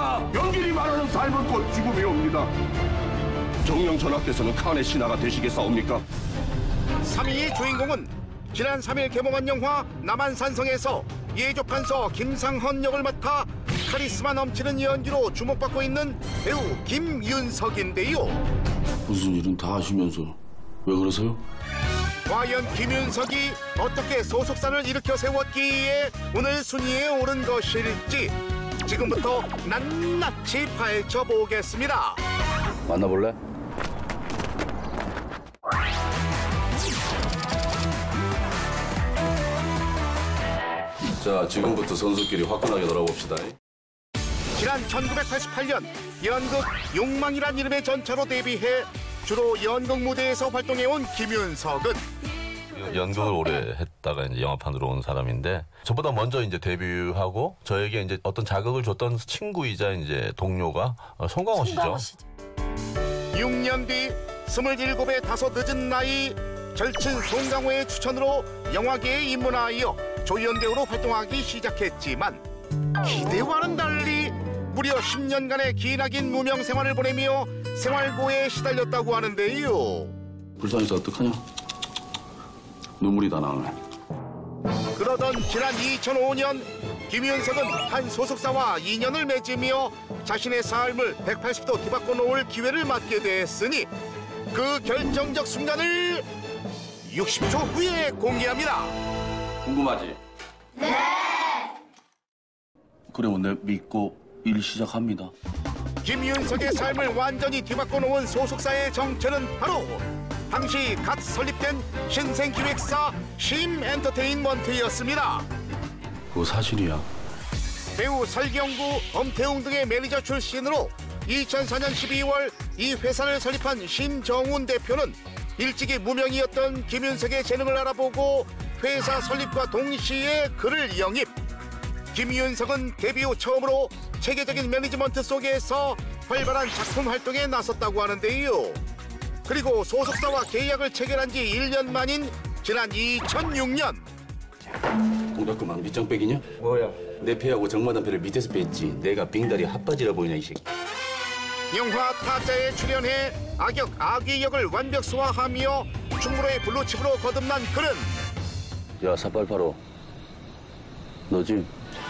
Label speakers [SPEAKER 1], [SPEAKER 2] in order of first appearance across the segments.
[SPEAKER 1] 옵니다. 연길이 말하는 삶은 곧 죽음이 옵니다. 정령 전하께서는 칸의 신하가 되시겠사옵니까?
[SPEAKER 2] 3위의 주인공은 지난 3일 개봉한 영화 남한산성에서 예조판서 김상헌 역을 맡아 카리스마 넘치는 연기로 주목받고 있는 배우 김윤석인데요.
[SPEAKER 3] 무슨 일은 다 하시면서 왜 그러세요?
[SPEAKER 2] 과연 김윤석이 어떻게 소속사를 일으켜 세웠기에 오늘 순위에 오른 것일지 지금부터 낱낱이 파헤쳐보겠습니다.
[SPEAKER 3] 만나볼래? 자, 지금부터 선수끼리 화끈하게 놀아봅시다.
[SPEAKER 2] 지난 1988년 연극 욕망이란 이름의 전차로 데뷔해 주로 연극 무대에서 활동해온 김윤석은
[SPEAKER 4] 연극을 오래 했다가 이제 영화판으로 온 사람인데 저보다 먼저 이제 데뷔하고 저에게 이제 어떤 자극을 줬던 친구이자 이제 동료가 송강호 씨죠.
[SPEAKER 2] 6년 뒤 27의 다소 늦은 나이 절친 송강호의 추천으로 영화계에 입문하여 조연 배우로 활동하기 시작했지만 기대와는 달리 무려 10년간의 기나긴 무명 생활을 보내며 생활고에 시달렸다고 하는데요.
[SPEAKER 3] 불쌍해서 어떡하냐? 눈물이 다 나네.
[SPEAKER 2] 그러던 지난 2005년 김윤석은 한 소속사와 인연을 맺으며 자신의 삶을 180도 뒤바꿔 놓을 기회를 맞게 됐으니 그 결정적 순간을 60초 후에 공개합니다.
[SPEAKER 3] 궁금하지? 네! 그래, 내 믿고 일 시작합니다.
[SPEAKER 2] 김윤석의 삶을 완전히 뒤바꿔 놓은 소속사의 정체는 바로 당시 갓 설립된 신생기획사 심엔터테인먼트였습니다.
[SPEAKER 3] 그거 사실이야.
[SPEAKER 2] 배우 설경구, 엄태웅 등의 매니저 출신으로 2004년 12월 이 회사를 설립한 심정훈 대표는 일찍이 무명이었던 김윤석의 재능을 알아보고 회사 설립과 동시에 그를 영입. 김윤석은 데뷔 후 처음으로 체계적인 매니지먼트 속에서 활발한 작품 활동에 나섰다고 하는데요. 그리고 소속사와 계약을 체결한 지 1년 만인 지난 2006년.
[SPEAKER 3] 동작그만 밑장 빼기냐?
[SPEAKER 5] 뭐야?
[SPEAKER 3] 내 패하고 정마담 패를 밑에서 뺐지. 내가 빙다리 핫바지라 보이냐, 이 새끼.
[SPEAKER 2] 영화 타짜에 출연해 악역 아귀 역을 완벽 소화하며 충무로의 블루칩으로 거듭난 그는
[SPEAKER 3] 야, 사팔팔오. 너지?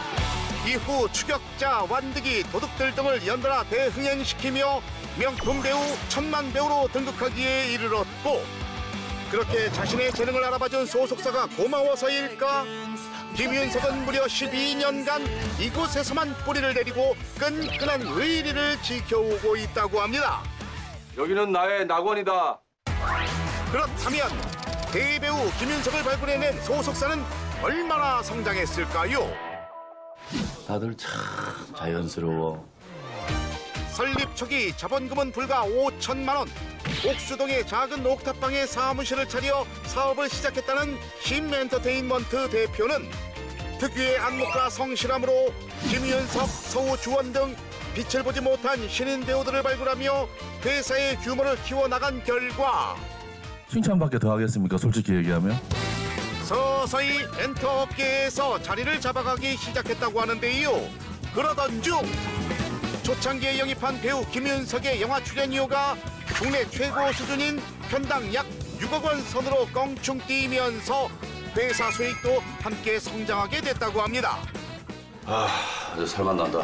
[SPEAKER 2] 이후 추격자, 완득이, 도둑들 등을 연달아 대흥행시키며 명품 배우, 천만 배우로 등극하기에 이르렀고 그렇게 자신의 재능을 알아봐준 소속사가 고마워서일까? 김윤석은 무려 12년간 이곳에서만 뿌리를 내리고 끈끈한 의리를 지켜오고 있다고 합니다.
[SPEAKER 5] 여기는 나의 낙원이다.
[SPEAKER 2] 그렇다면 대배우 김윤석을 발굴해낸 소속사는 얼마나 성장했을까요?
[SPEAKER 3] 다들 참 자연스러워.
[SPEAKER 2] 설립 초기 자본금은 불과 5천만 원. 옥수동의 작은 옥탑방에 사무실을 차려 사업을 시작했다는 심엔터테인먼트 대표는 특유의 안목과 성실함으로 김윤석, 서우주원 등 빛을 보지 못한 신인 배우들을 발굴하며 회사의 규모를 키워나간 결과
[SPEAKER 6] 칭찬밖에 더 하겠습니까? 솔직히 얘기하면.
[SPEAKER 2] 서서히 엔터업계에서 자리를 잡아가기 시작했다고 하는데요. 그러던 중 초창기에 영입한 배우 김윤석의 영화 출연료가 국내 최고 수준인 편당 약 6억 원 선으로 껑충 뛰면서 회사 수익도 함께 성장하게 됐다고 합니다.
[SPEAKER 3] 이제 살만 난다.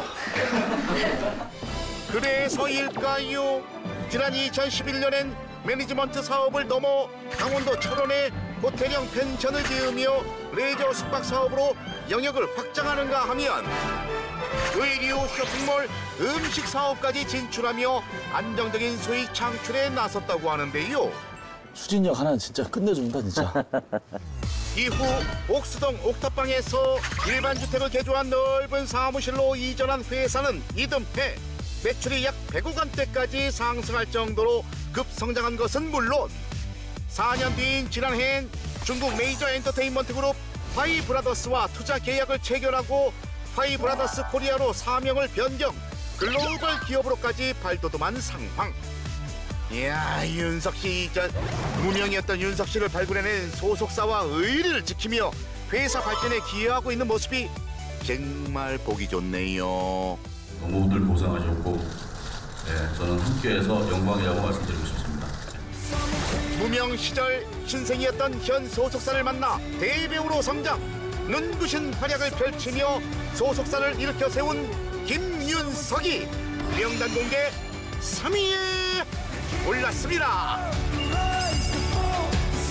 [SPEAKER 2] 그래서일까요? 지난 2011년엔 매니지먼트 사업을 넘어 강원도 철원에 호텔형 펜션을 지으며 레저 숙박 사업으로 영역을 확장하는가 하면 의류, 쇼핑몰, 음식 사업까지 진출하며 안정적인 수익 창출에 나섰다고 하는데요.
[SPEAKER 6] 추진력 하나는 진짜 끝내준다, 진짜.
[SPEAKER 2] 이후 옥수동 옥탑방에서 일반 주택을 개조한 넓은 사무실로 이전한 회사는 이듬해 매출이 약 100억 원대까지 상승할 정도로 급성장한 것은 물론 4년 뒤인 지난해엔 중국 메이저 엔터테인먼트 그룹 파이브라더스와 투자 계약을 체결하고 파이브라더스 코리아로 사명을 변경, 글로벌 기업으로까지 발돋움한 상황. 이야, 윤석 씨, 무명이었던 윤석 씨를 발굴해낸 소속사와 의리를 지키며 회사 발전에 기여하고 있는 모습이 정말 보기 좋네요.
[SPEAKER 6] 모두들 고생하셨고 저는 함께해서 영광이라고 말씀드리고 싶습니다.
[SPEAKER 2] 무명 시절 신생이었던 현 소속사를 만나 대배우로 성장, 눈부신 활약을 펼치며 소속사를 일으켜 세운 김윤석이 명단 공개 3위에 올랐습니다.